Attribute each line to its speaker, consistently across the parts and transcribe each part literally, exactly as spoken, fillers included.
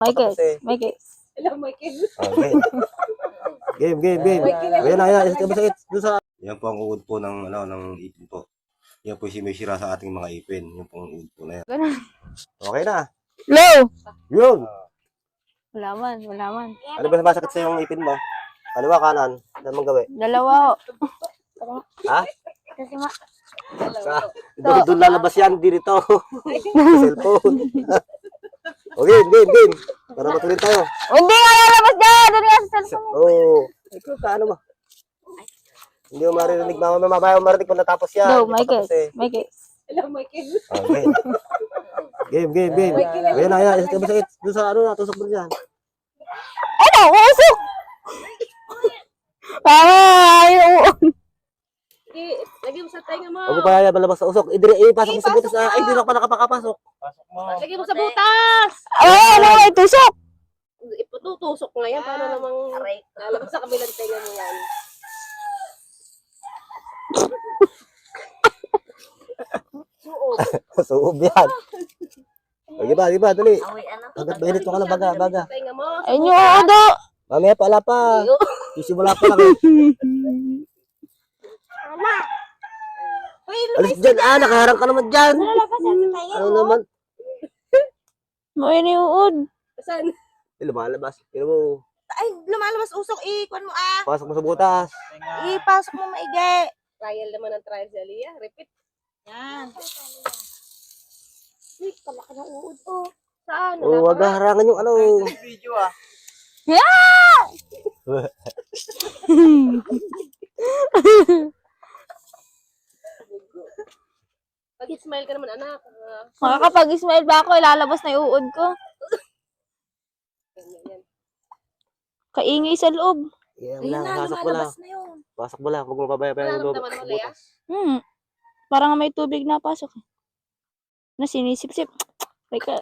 Speaker 1: Michael,
Speaker 2: Tapos eh.
Speaker 1: Michael.
Speaker 3: Hello, Michael.
Speaker 2: Okay. Game, game, game. Ayan na, ayan. Ito masakit. Doon sa... Yan po ang uod po ng, ano, ng ipin po. Yan po si may sira sa ating mga ipin. Yung pong uod po na yan.
Speaker 1: Ganun.
Speaker 2: Okay na.
Speaker 1: Low!
Speaker 2: Yun.
Speaker 1: Wala man, wala man.
Speaker 2: Ano ba masakit sa yung ipin mo? Kaliwa, kanan. Ano mong gawin?
Speaker 1: Dalawa.
Speaker 2: Ha?
Speaker 1: Kasi ma...
Speaker 2: Sa, doon, doon lalabas yan. Hindi rito. Cellphone. O, game, game, game. Para matuloy tayo.
Speaker 1: Hindi nga lalabas dyan! Doon nga sa cellphone.
Speaker 2: Oo. Oh, ito, kaano mo? Hindi mo maririnig. Mama, mamabayaw marinig kung natapos yan.
Speaker 1: Low,
Speaker 2: Hindi pa
Speaker 1: Michael,
Speaker 2: tapos eh.
Speaker 1: Michael.
Speaker 3: Hello, Michael.
Speaker 2: Okay. Game, game, game. Ayan na, ayan. Ito masakit. Doon sa ano, natusok mo dyan.
Speaker 1: Ano? Usok! Tama! Ayaw!
Speaker 3: Okay, lagay mo sa tenga mo.
Speaker 2: Huwag mo pa yan, malabas sa usok. Idiri, ipasok mo sa butas. Ah, ay, hindi na pa nakapakapasok.
Speaker 3: Lagay mo sa butas.
Speaker 1: Ah, ano nga itusok?
Speaker 3: Ipututusok nga yan. Paano namang lalabas sa kabilang tenga mo yan? Suog.
Speaker 2: Suob yan. O, di ba, di ba, dali. Hanggat mainit mo ka lang, baga, baga.
Speaker 3: Tenga mo.
Speaker 1: Ayun yung ano.
Speaker 2: Mamaya pa, ala pa. Sisimula pa lang eh. Alis dyan, ah, nakaharang ka naman dyan. Ano naman?
Speaker 1: May niuod.
Speaker 3: Saan?
Speaker 2: Eh, lumalabas. Tignan mo,
Speaker 4: Ay, lumalabas usok, ikon mo ah.
Speaker 2: pasok mo sa butas.
Speaker 4: Ipasok mo maigi.
Speaker 3: Trial naman ang trial si Aliyah. Repeat.
Speaker 4: Yan.
Speaker 3: Uy, palaki ng uod. Oh. Saan?
Speaker 2: O, wag harangan yung ano.
Speaker 5: Video ah.
Speaker 1: Yeah!
Speaker 3: Pag-smile ka naman, anak. Ah,
Speaker 1: Makakapag-smile ba ako? Ilalabas na yung uod ko.
Speaker 3: yan, yan, yan.
Speaker 1: Kaingay sa loob.
Speaker 2: Yeah,
Speaker 4: Ayun
Speaker 2: wala,
Speaker 4: na,
Speaker 2: pasok mo lang.
Speaker 4: lumalabas na yun.
Speaker 2: Pasok mo lang, huwag mo pabayaan yung loob.
Speaker 3: Nararamdaman mo, Leah?
Speaker 1: Hmm. Parang may tubig na pasok. Na sinisip-sip. Teka.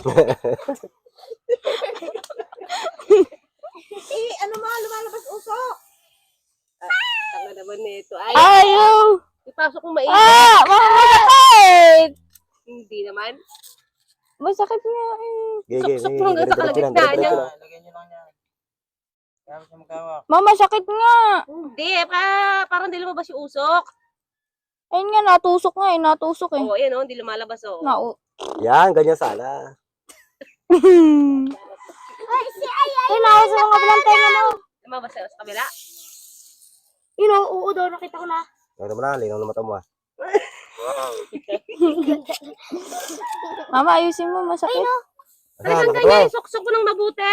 Speaker 4: Eh, ano mga lumalabas usok?
Speaker 3: Tanga naman nito. Ay,
Speaker 1: Ayaw!
Speaker 3: ipasok mo maigi.
Speaker 1: Ah! Masakit!
Speaker 3: Hindi naman.
Speaker 1: Masakit nga eh.
Speaker 2: Game, game,
Speaker 3: Suksok
Speaker 2: game.
Speaker 3: mo hanggang sa
Speaker 2: Diretso lang,
Speaker 3: kalagitnaan
Speaker 2: diretso
Speaker 3: niya.
Speaker 2: lang.
Speaker 5: Lagyan nyo lang yan. Kaya siya magkawak.
Speaker 1: Mama, sakit nga!
Speaker 3: Hindi, pa, parang hindi lumabas yung usok.
Speaker 1: Ayun nga, natusok nga eh. Natusok eh.
Speaker 3: Oo, ayan o, hindi lumalabas o.
Speaker 1: Nau...
Speaker 2: Yan, ganyan sana.
Speaker 1: Ay, nawa sa mga kabilang tenga mo.
Speaker 3: Lumabas sa sa kabila.
Speaker 1: Yun o, oo daw, nakita ko na.
Speaker 2: Ano naman na, linaw na mata mo ah.
Speaker 1: Mama, ayusin mo, masakit.
Speaker 2: Asa,
Speaker 3: Talagang
Speaker 2: nakatuwa.
Speaker 3: ganyan, suksok mo ng mabuti.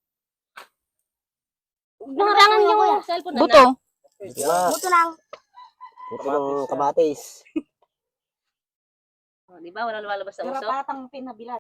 Speaker 3: Naharangan yung cellphone na.
Speaker 1: Buto.
Speaker 2: Dito na.
Speaker 4: Buto lang.
Speaker 2: Buto ng kamatis.
Speaker 3: Oh, di ba? Walang lumalabas sa usok.
Speaker 4: Garapatang pinabilad.